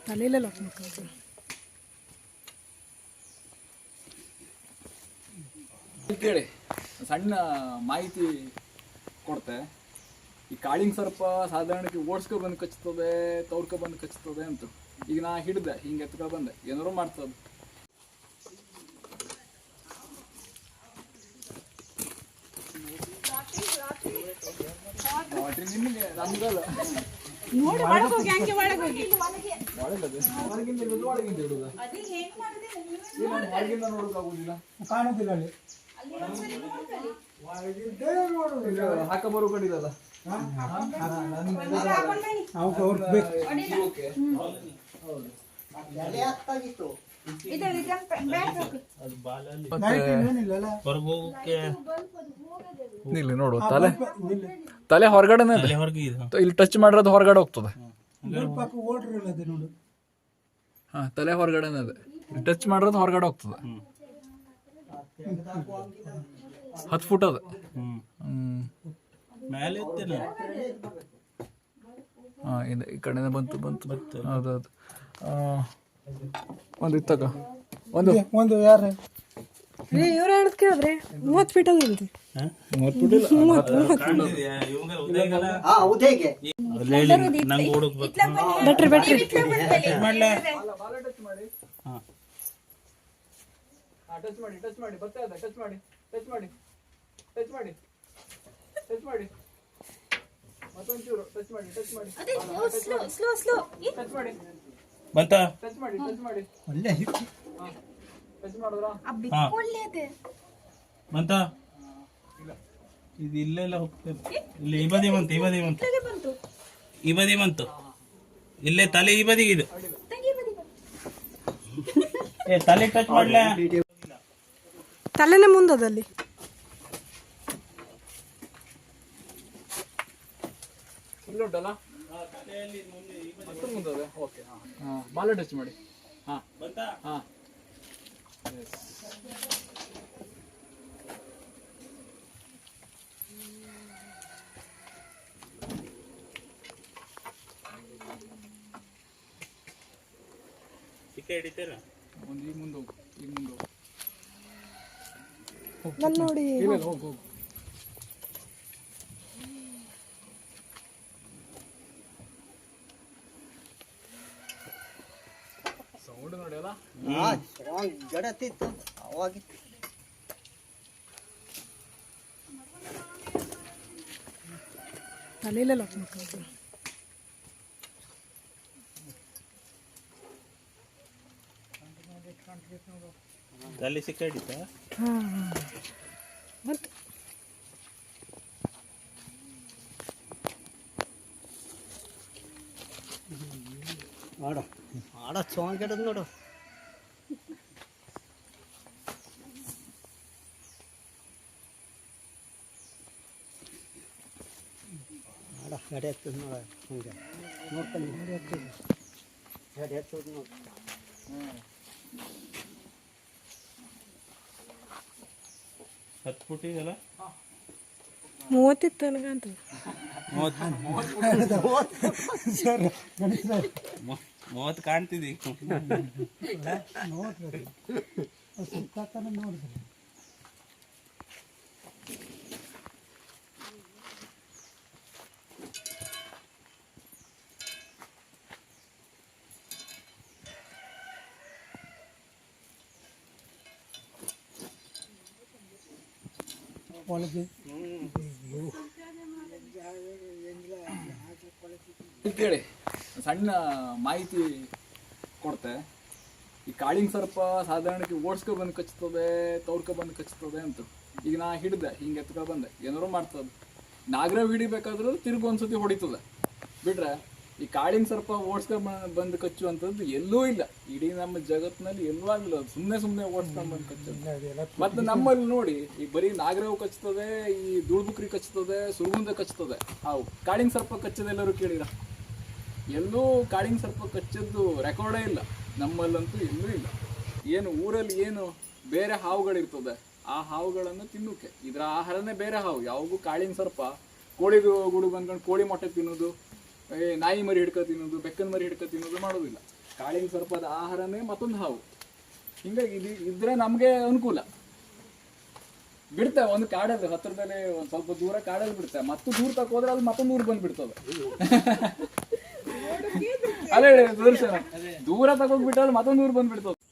ತಲೆಯಲ್ಲೇ lock ಮಾಡ್ಕೊಳ್ತೀನಿ. ಕೇಳಿ ಸಣ್ಣ ಮಾಹಿತಿ ಕೊಡ್ತೆ. ಈ ಕಾಳಿಂಗ್ ಸರ್ಪ ಸಾಧಾರಣಕ್ಕೆ ಓಡಿಸ್ಕೊ ಬಂದು ಕಚ್ತದೆ, ತವ್ರ್ಕೊ ಬಂದು ಕಚ್ತದೆ ಅಂತ. ಈಗ ನಾ ಹಿಡ್ದೆ, ಹಿಂಗೆ ಎತ್ಕೊ ಬಂದೆ, ಏನಾರು ಮಾಡ್ತದೆ. ನಿಮಗೆ ನಮ್ಗಲ್ಲ ಹೊರಗಿಂದ ನೋಡೋಕ್ಕಾಗುದಿಲ್ಲ, ಕಾಣುದಿಲ್ಲ ಅಲ್ಲಿ ಹಾಕ ಬರೋ ಕಡಿದಲ್ಲ. ಇಲ್ಲಿ ನೋಡು, ತಲೆ ಹೊರಗಡೆನೆ ಇಲ್ಲಿ ಟಚ್ ಮಾಡಿರೋದು ಹೊರಗಡೆ ಹೋಗ್ತದೆ. ಹಾ, ತಲೆ ಹೊರಗಡೆನೆ ಅದೇ, ಟಚ್ ಮಾಡಿರೋದು ಹೊರಗಡೆ ಹೋಗ್ತದೆ. 10 ಫುಟ್ ಅದ. ಹಾ, ಇದೆ, ಈ ಕಡೆನೇ ಬಂತು. ಹೌದೌದು. ಒಂದು ಇತ್ತಕ ಒಂದು ಯಾರು ಇವ್ರು ಹೇಳದ್ ಕೇಳಿದ್ರೆ 30 ಫೀಟ್ ಅದಂತೆ. 30 ಫೀಟ್ ಇಲ್ಲ, ಬೆಟ್ರಿ ಟಚ್ ಮಾಡಿ ಬರ್ತಾ ಟಚ್ ಮಾಡಿ ಮತ್ತೊಂಚೂರು ಟಚ್ ಮಾಡಿ ಬಂತಾ ಟಚ್ ಮಾಡಿ ಒಳ್ಳೆ ಟಚ್ ಮಾಡಿದ್ರಾ? ಬಂತಾ? ಇದು ಇಲ್ಲೆಲ್ಲ ಹೋಗ್ತದೆ. ಇಲ್ಲಿ ಈ ಬದಿ ಬಂತು. ಇಲ್ಲೇ ತಲೆ ಈ ಬದಿಗೆ ಇದು. ತಲೆ ಟಚ್ ಮಾಡ್ಲ, ತಲೆನೇ ಮುಂದದಲ್ಲಿ. ಇಲ್ಲುಂಟಲ್ಲ, ಮುಂದೆ. ಓಕೆ, ಬಾಲ ಟಚ್ ಮಾಡಿ. ಹಾ, ಬಂತಾ? ಹಾ, ಚಿಕ್ಕ ಹಿಡಿತೀರಾ? ಒಂದು ಈಗ ಮುಂದೆ ಹೋಗು. ಬಂದು ನೋಡಿ. ಹೋಗು. ಸೌಂಡ್ ನೋಡಿ ಅಲ್ಲ, ಜಡತಿತ್ತು ಅವಾಗಿತ್ತು. ತಲೆಯಲ್ಲೇ ಲಾಕ್ ಮಾಡ್ಕೊಳ್ತೀನಿ. ತಲೆ ಸಿಕ್ಕ ಹಿಡಿತಾ? ಹಾ, ಬಂತು. ಆಡ ಸಾಂಗ್ ಕೆಡದ್ ನೋಡು. ಆಡ ಗಡಿ ಹತ್ತದ ನೋಡ, ಹಂಗೆ ನೋಡ್ಕೊಂಡು ಗಡಿ ಹತ್ತದ ನೋಡು. 10 ಫುಟ್ ಇದೆಲ್ಲ, 30 ಇತ್ತು ನನಗಂತ. 30 ಕಾಣ್ತಿದ್ದಿ. ನೋಡ್ರಿ ಸುತ್ತಾತನ ನೋಡಿದ್ರಿ. ಕೇಳಿ ಸಣ್ಣ ಮಾಹಿತಿ ಕೊಡ್ತೆ. ಈ ಕಾಳಿಂಗ್ ಸರ್ಪ ಸಾಧಾರಣಕ್ಕೆ ಓಡಿಸ್ಕೊ ಬಂದು ಕಚ್ತದೆ, ತವ್ರ್ಕೊ ಬಂದು ಕಚ್ತದೆ ಅಂತ. ಈಗ ನಾ ಹಿಡ್ದೆ, ಹಿಂಗೆ ಎತ್ಕೊ ಬಂದೆ, ಏನಾರು ಮಾಡ್ತದೆ. ನಾಗರಾವ್ ಹಿಡಿಬೇಕಾದ್ರೂ ತಿರುಗಿ ಒಂದ್ಸತಿ ಹೊಡಿತದೆ ಬಿಟ್ರೆ, ಈ ಕಾಳಿಂಗ್ ಸರ್ಪ ಓಡಿಸ್ಕೊ ಬಂದು ಕಚ್ಚುವಂಥದ್ದು ಎಲ್ಲೂ ಇಲ್ಲ. ಇಡೀ ನಮ್ಮ ಜಗತ್ತಿನಲ್ಲಿ ಎಲ್ಲೂ ಆಗಿಲ್ಲ. ಸುಮ್ಮನೆ ಓಡಿಸ್ಕೊಂಡು ಬಂದು ಕಚ್ಚೋದು. ಮತ್ತೆ ನಮ್ಮಲ್ಲಿ ನೋಡಿ, ಈ ಬರೀ ನಾಗರಾವ್ ಕಚ್ತದೆ, ಈ ದುಳ್ಬುಕ್ರಿ ಕಚ್ತದೆ, ಸುರುಗುಂದ ಕಚ್ತದೆ. ಹಾವು ಕಾಳಿಂಗ್ ಸರ್ಪ ಕಚ್ಚದೆಲ್ಲರೂ ಕೇಳಿರ? ಎಲ್ಲೂ ಕಾಳಿಂಗ್ ಸರ್ಪ ಕಚ್ಚದ್ದು ರೆಕಾರ್ಡೇ ಇಲ್ಲ ನಮ್ಮಲ್ಲಂತೂ, ಎಲ್ಲೂ ಇಲ್ಲ. ಏನು ಊರಲ್ಲಿ ಏನು ಬೇರೆ ಹಾವುಗಳಿರ್ತದೆ, ಆ ಹಾವುಗಳನ್ನು ತಿನ್ನೋಕೆ ಇದರ ಆಹಾರನೇ ಬೇರೆ ಹಾವು. ಯಾವಾಗೂ ಕಾಳಿಂಗ್ ಸರ್ಪ ಕೋಳಿ ಗೂಡು ಬಂದ್ಕೊಂಡು ಕೋಳಿ ಮೊಟ್ಟೆ ತಿನ್ನೋದು, ನಾಯಿ ಮರಿ ಹಿಡ್ಕೊ ತಿನ್ನೋದು, ಬೆಕ್ಕನ ಮರಿ ಹಿಡ್ಕೊ ತಿನ್ನೋದು ಮಾಡೋದಿಲ್ಲ. ಕಾಳಿಂಗ್ ಸರ್ಪದ ಆಹಾರನೇ ಮತ್ತೊಂದು ಹಾವು. ಹಿಂಗಾಗಿ ಇದ್ರೆ ನಮ್ಗೆ ಅನುಕೂಲ. ಬಿಡ್ತೇವೆ ಒಂದು ಕಾಡಲ್ಲಿ ಹತ್ರದಲ್ಲಿ ಒಂದ್ ಸ್ವಲ್ಪ ದೂರ ಕಾಡಲ್ಲಿ ಬಿಡ್ತೇವೆ, ಮತ್ತು ದೂರ ತಕೋದ್ರೆ ಅದು ಮತ್ತೊಂದು ಊರು ಬಂದ್ಬಿಡ್ತದೆ. ಅಲ್ಲೇ ದೂರ ತಗೋಗ್ಬಿಟ್ರೆ ಮತ್ತೊಂದು ಊರು ಬಂದ್ಬಿಡ್ತದೆ.